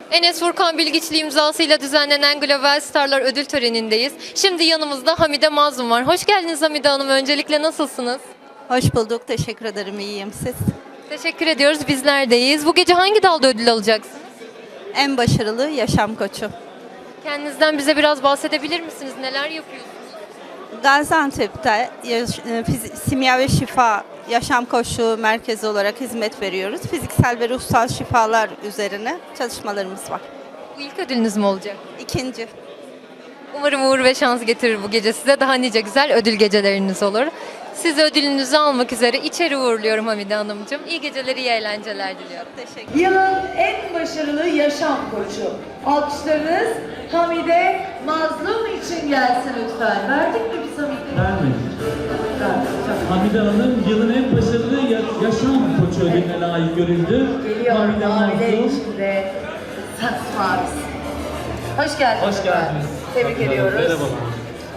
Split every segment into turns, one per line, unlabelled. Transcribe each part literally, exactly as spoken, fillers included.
Enes Furkan Bilgiçli imzasıyla düzenlenen Global Starlar ödül törenindeyiz. Şimdi yanımızda Hamide Mazlum var. Hoş geldiniz Hamide Hanım. Öncelikle nasılsınız?
Hoş bulduk. Teşekkür ederim. İyiyim. Siz?
Teşekkür ediyoruz. Bizler deyiz. Bu gece hangi dalda ödül alacaksınız?
En başarılı yaşam koçu.
Kendinizden bize biraz bahsedebilir misiniz? Neler yapıyorsunuz?
Gaziantep'te yaş- e, fizi- simya ve şifa yaşam koçluğu merkezi olarak hizmet veriyoruz. Fiziksel ve ruhsal şifalar üzerine çalışmalarımız var.
Bu ilk ödülünüz mü olacak?
İkinci.
Umarım uğur ve şans getirir bu gece size. Daha nice güzel ödül geceleriniz olur. Siz ödülünüzü almak üzere içeri uğurluyorum Hamide Hanımcığım. İyi geceler, iyi eğlenceler diliyorum.
Teşekkür
Yılın en başarılı yaşam koçu. Alkışlarınız Hamide Mazlum için gelsin lütfen. Verdik mi biz Hamide'yi?
Vermedik.
Verdik.
Hamide Hanım yılın en başarılı ya- yaşam koçu ödülüne layık görüldü.
Geliyor
Hamide
maviler
Mazlum.
içinde. Saks mavisi. Hoş geldiniz.
Hoş geldiniz.
Tebrik
Hamide Hanım,
ediyoruz.
Merhabalar.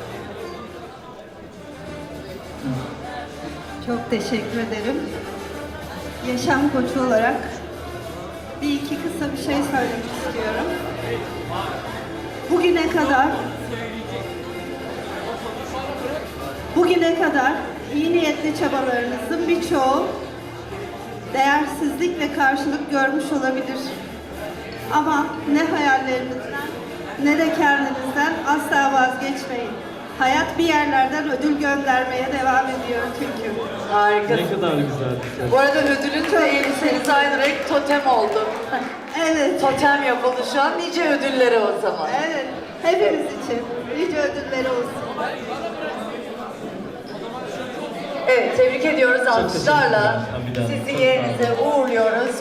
Çok teşekkür ederim. Yaşam koçu olarak bir iki kısa bir şey söylemek istiyorum. Bugüne kadar bugüne kadar iyi niyetli çabalarınızın birçoğu değersizlikle karşılık görmüş olabilir. Ama ne hayallerinizden ne de kendinizden asla vazgeçmeyin. Hayat bir yerlerden ödül göndermeye devam ediyor çünkü.
Harikasın.
Ne kadar güzel.
Bu arada ödülün de elbiseniz aynı renk totem oldu.
Evet,
Totem yapıldı şu an. Nice ödülleri o zaman.
evet. Hepimiz için nice ödülleri olsun.
Evet, tebrik ediyoruz
teşekkürler
alkışlarla.
Hamide Hanım,
Sizi
çok sağ
yerinize uğurluyoruz.